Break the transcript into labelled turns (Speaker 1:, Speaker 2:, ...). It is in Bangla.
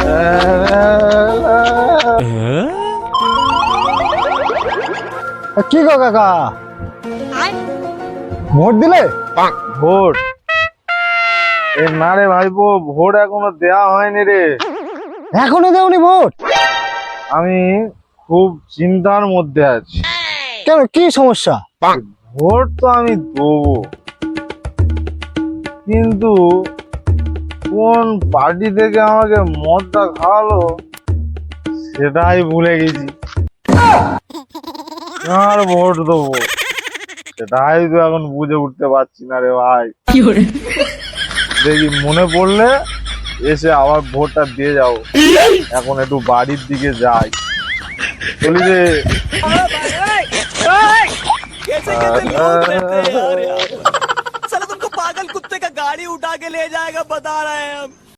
Speaker 1: কি গো কাকা, ভোট দিলে?
Speaker 2: ভোট না রে ভাইপো, ভোট এখনো দেয়া হয়নি রে।
Speaker 1: এখনো দেওনি ভোট?
Speaker 2: আমি খুব চিন্তার মধ্যে আছি।
Speaker 1: কেন, কি সমস্যা?
Speaker 2: ভোট তো আমি দেবো, কিন্তু কোন পার্টি থেকে আমাকে মদটা খাওয়ালো সেটাই ভুলে গেছি। আর ভোট দেবো সেটাই তো এখন বুঝে উঠতে পারছি না রে ভাই। দেখি মনে পড়লে এসে আবার ভোটটা দিয়ে যাও। এখন একটু বাড়ির দিকে যাই, চলি রে।
Speaker 3: कैसे कैसे लोग रहते हैं यार, साला तुमको पागल कुत्ते का गाड़ी उठा के ले जाएगा, बता रहे हैं हम।